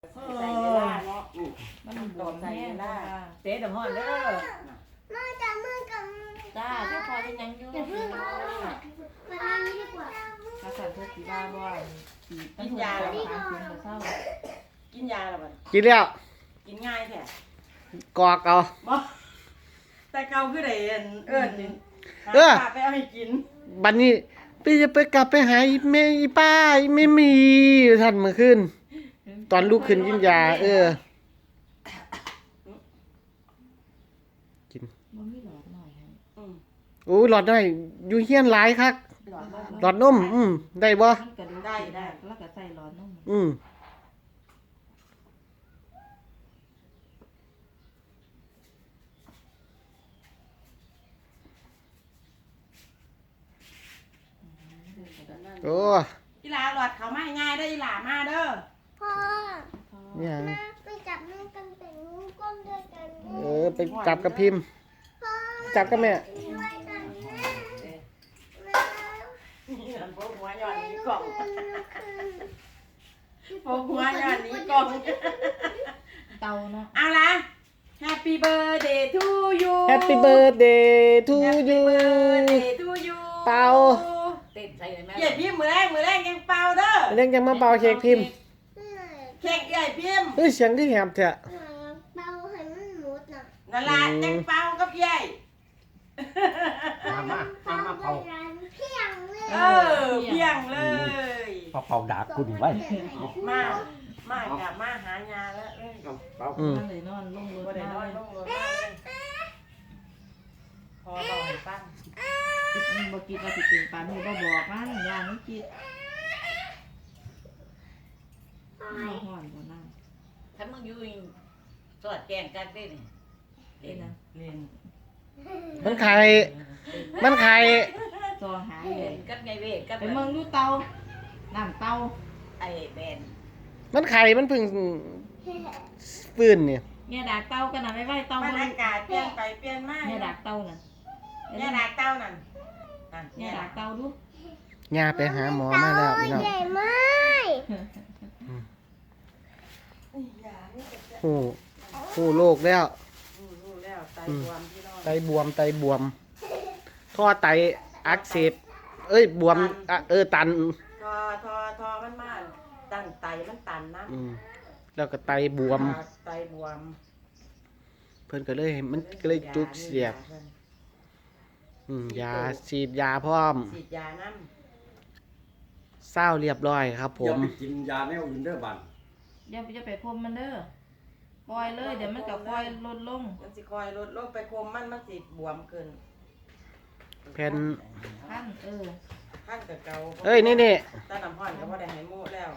ใส่เวลาเนาะมันบวมใส่เวลาเตะดำห้อนเด้อมาจับมือกับจ้าเจ้าพอจะยังอยู่อย่าเพิ่งมาทางนี้ดีกว่าถ้าสั่นเธอสีบ้าบ่อยกินยาแล้วขาเสียงจะเศร้ากินยาแล้วบ่กินแล้วกินง่ายแท้กอกเอาบ่แต่เก่าคือได้เอิ้นนี่ไปเอาให้กินบัดนี้พี่จะไปกลับไปหาอีแม่อีป้าอีไม่มีท่านเมื่อคืนตอนลูกขึ้นกินยากินบ่มีหลอดหน่อยให้โอ้หลอดน้อยอยู่เฮียนหลายคักหลอดนมได้บ่ได้แล้วก็ใส่หลอดนมโอ้อีหลาหลอดเขามาง่ายเด้ออีหลามาเด้อพ่อเนี่ยไปจับมือกันแต่งก้มด้วยกันไปจับกับพิมพ์จับกับแม่ด้วยกันแม่นี่พวกหัวย้อนนี้กล่องพวกหัวย้อนนี้กล่องเตาเนาะเอาล่ะ Happy birthday to you Happy birthday to you Happy birthday to you เป่าเต้นใส่เลยแม่ใหญ่พิมพ์มือแรกยังเป่าเด้อเรื่องยังมาเป่าเค้กพิมพ์เค้กใหญ่พิมพ์เสียงที่แหบเถอะเป่าให้มันหมดน่ะนั่นล่ะยังเป่ากับใหญ่มาเป่าเพียงเลยเพียงเลยเป่าดาบคุณไว้มากลับมาหายาแล้วเป่าเลยนอนลงรถได้นอนลงรถพอบอกให้ฟังมันบ่กินว่าสิเป็นปานนี้บ่บอกมันย่ามันกินห่อนบ่นั่งถ้ามึงอยู่สอดแกงกันได้นี่เล่นนะเล่นมันไข่ซองหาเล่นกับไงเว้กับไปเมืองดูเตาน้ำเตาไอ้แบนมันไข่มันพึ่งปืนเนี่ยเนี่ยดากเตากันน่ะไว้เตามันอากาศเปลี่ยนไปเปลี่ยนมาเนี่ยดากเตาน่ะเนี่ยดากเตานั่นเนี่ยดากเตาดูย่าไปหาหมอมาแล้วพี่น้องใหญ่มากโอ้โรคแล้วไตบวมท่อไตอักเสบบวมตันทอมันมาตันไตมันตันนะแล้วก็ไตบวมเพิ่นก็เลยมันก็เลยจุกเสียบยาฉีดยาพร้อมฉีดยาน้ำเศร้าเรียบร้อยครับผมอย่าไปกินยาแนวอื่นเด้อบัดอย่าไปคมมันเด้อปล่อยเลยเดี๋ยวมันก็ปล่อยลดลงมันสิคอยลดลงไปคมมันสิบวมเกินแผ่นขั้นกับเกานี่ตาน้ำห้อนก็บ่ได้ให้หมูแล้ว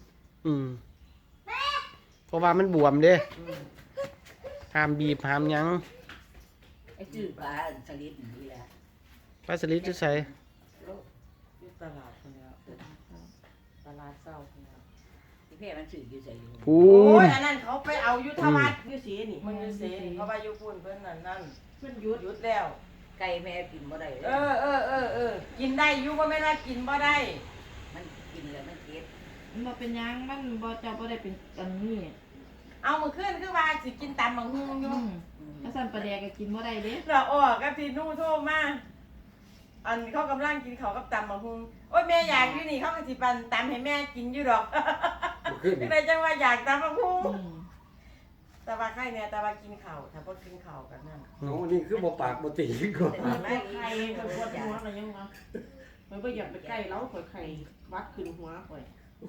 เพราะว่ามันบวมเด้ห้ามบีบห้ามยั้งไอ้จืดปลาสลิดนี่แหละปลาสลิดจะใส่อยู่ตลาดคนแล้วตลาดเศร้าคนแล้วที่แม่มันสื่ออยู่ใส่อยู่พูนอันนั้นเขาไปเอายุทธวัฒน์ยุสีนี่มันยุสีเขาไปยุพูนเพิ่นนั่นเพิ่นยุดแล้วไก่แม่กินบ่ได้กินได้ยุว่าไม่ได้กินบ่ได้มันกินแล้วมันเจ็บมันบ่เป็นยังมันบ่เจ้าบ่ได้เป็นอันนี้เอามื้อคืนคือว่าสิกินตำบักหุ่งอยู่ถ้าสั่นปลาแดกก็กินบ่ได้เด้แล้วกับพี่นู่โทรมาอันเขากำลังกินข้าวกับตำบักหุ่งโอ๊ยแม่อยากอยู่นี่เขาก็สิปั่นตำให้แม่กินอยู่ดอกได้จังว่าอยากตำบักหุ่งแต่ว่าไข่เนี่ยแต่ว่ากินข้าวถ้าบ่กินข้าวกันนั่นโอ้นี่คือบ่ปากบ่ตีก่อนไม่ไข่มันปวดหัวอะไรยังวะมันบ่อยากไปใกล้แล้วข่อยไข่วัดขึ้นหัวข่อย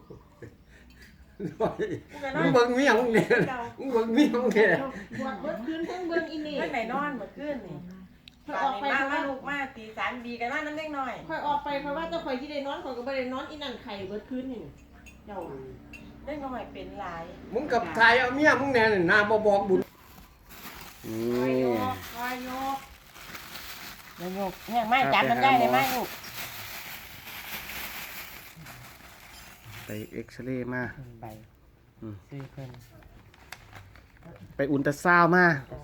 มึงเบิ่งเมียมึงเนี่ยมึงเบิ่งเมียมึงเนี่ยปวดเบิดคืนทั้งเบิ่งอีนี่เพิ่นไหนนอนเมื่อคืนนี่ค่อยออกไปมาลูกมาตี3บีกันว่าน้ำเล็กน้อยค่อยออกไปเพราะว่าเจ้าข่อยสิได้นอนข่อยก็บ่ได้นอนอีนั่นไข่เบิดคืนนี่เจ้าเล่นก็ไม่เป็นหลายมึงกับทายเอาเมียมึงแน่นี่นาบ่บอกบุญคอยโยกแห้งไม้จับมันได้เลยไหมลูกไปเอ็กซเรย์มาไปซื้อเพิ่นไปอุลตราซาวด์มา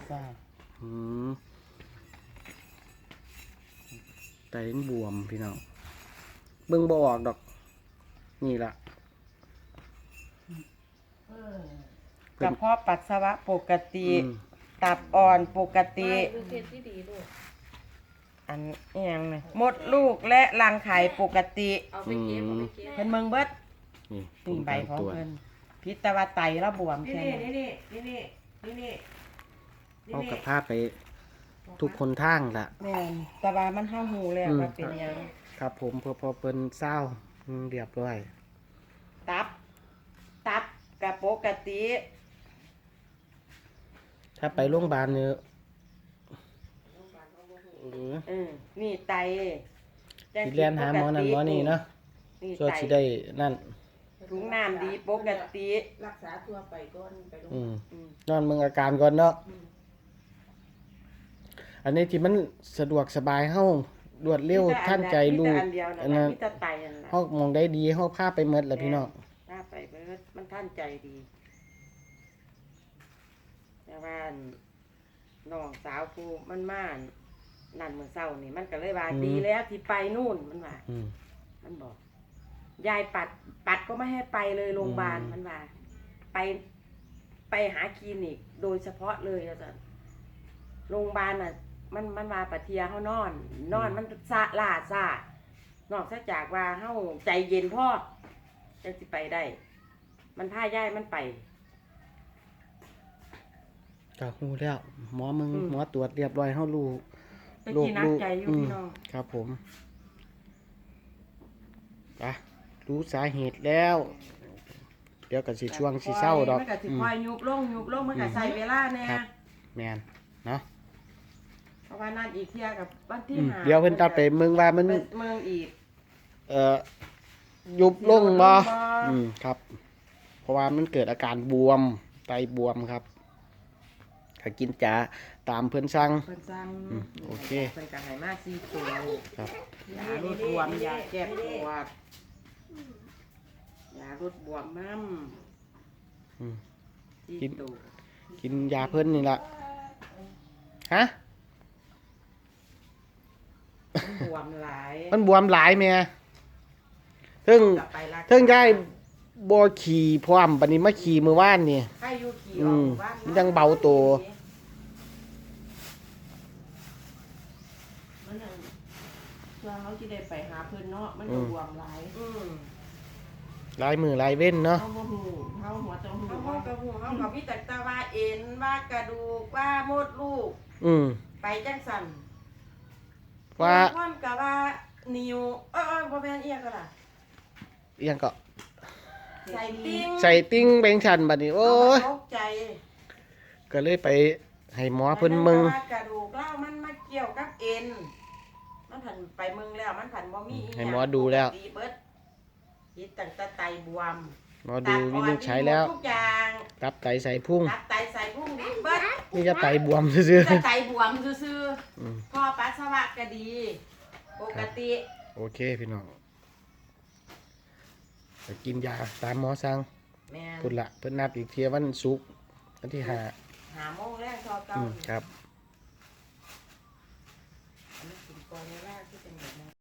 ไตบวมพี่น้องเบิ่งบ่ออกดอกนี่ล่ะกระเพาะปัสสาวะปกติอืมตับอ่อนปกติดูเพชรที่ดีลูกอันนี้ยังไงมดลูกและรังไข่ปกติเอาไปเก็บเอาไปเก็บเพิ่นเมืองเบิดนี่นี่ใบของตรวจเพิ่นพิษตะวาไตระบวมนี่แค่นี่นั้นนี่นี่นี่นี่เอากับภาพไปทุกคนทางละแม่นแตะวามันห้าหูแล้วว่าเป็นหยังครับผมพอเปิ้นเศร้าเรียบร้อยตับกับปกติถ้าไปโรงพยาบาลเนี่ยนี่ไตสิเรียนหาหมอนั่นหมอนี่เนาะนี่ช่วยไตสิได้นั่นถุงน้ำดีปกติรักษาทั่วไปก่อนไปโรงพยาอืบาลมนอนเมืองอาการก่อนเนาะอันนี้ที่มันสะดวกสบายเฮารวดเร็วท่านใจลูกมีแต่อันเดียวอันนะนั้นมีแต่ไตอันนั้นเฮามองได้ดีเฮาพาไปหมดแหละพี่น้องถ้าไปเบิดมันท่านใจดีแต่ว่าน้องสาวกูมันมานั่นเมื่อเช้านี่มันก็เลยว่าดีแล้วที่ไปนู่นมันว่าอืมมันบอก ยายปัดก็ไม่ให้ไปเลยโรงพยาบาลอืมมันว่า ไปหาคลินิกโดยเฉพาะเลยอาจารย์โรงพยาบาลน่ะ มันว่าปะเทียเขานอนมันซาล่าซานอกจากว่าเฮาใจเย็นพ่อจังสิไปได้ มันพาย่ายมันไปก็ฮู้แล้วหมอมึงหมอตรวจเรียบร้อยเฮารู้ตะกี้นักใจอยู่พี่น้องครับผมอ่ะรู้สาเหตุแล้ว เดี๋ยวก็สิช่วงสิเศร้าดอกมันก็สิคอยยุบลงมันก็ใส่เวลาแน่ครับ แม่นเนาะเพราะว่านั่นอีกเที่ยกับวันที่ 5 เดี๋ยวเพิ่นตัดไปเมืองว่ามันไปเมืองอีกยุบลงบ่บ่ครับ เพราะว่ามันเกิดอาการบวมไตบวมครับก็กินจ๋าตามเพิ่นสั่งเพิ่นสั่งโอเคเพิ่นก็ให้มา4ตัวยครับยาลดบวมยาแก้ปวดยาลดบวมน้อืมำกิน 4ตัวกินยาเพิ่นนี่ล่ะฮะมันบวมหลายมันบวมหลายแม่เพิ่งกลับไปรักษาเพิ่งย้ายบ่ขี่พร้อมบัดนี้มาขี่มื้อวานนี่ใครอยู่ขี่อืออกมหมู่บ้านมันยังเบาตัวมันนั่นเพื่อเขาจะได้ไปหาเพื่อนเนาะมันก็บวมหลายหลายมือหลายเว้นเนาะเขาบ่หูเขาหัวตรงหูเขากระหูเขากับพี่ตักตาว่าเอ็นว่ากระดูกว่ามดลูกอืมไปจังสันว่าความกับว่านิวบ่แม่นเอียก็ล่ะเอียงก็ใส่ติ้งใส่ติ้งแบงชันบัดนี้โอ้ยตกใจก็เลยไปให้หมอเพิ่นมึงว่ากระดูกเล่ามันมาเกี่ยวกับเอ็นมันผันไปมึงแล้วมันผันบ่มีอีให้หมอดูแล้วปกติเบิดยิดตั้งแต่ไตบวมหมอดูวินิจฉัยแล้วทุกอย่างตับไตใส่พุ่งตับไตใส่พุ่งดีเบิดนี่จะไตบวมซื่อแต่ไตบวมซื่อๆอืมๆพ่อปัสสาวะก็ดี ปกติโอเคพี่น้องไปกินยาตามหมอสั่งแม่นพุ่นละเพิ่นนัดอีกเที่ยวันศุกร์วันที่ห้าหาโมงแรกทอเก่าครับอันนี้กินก่อนเวลาคือ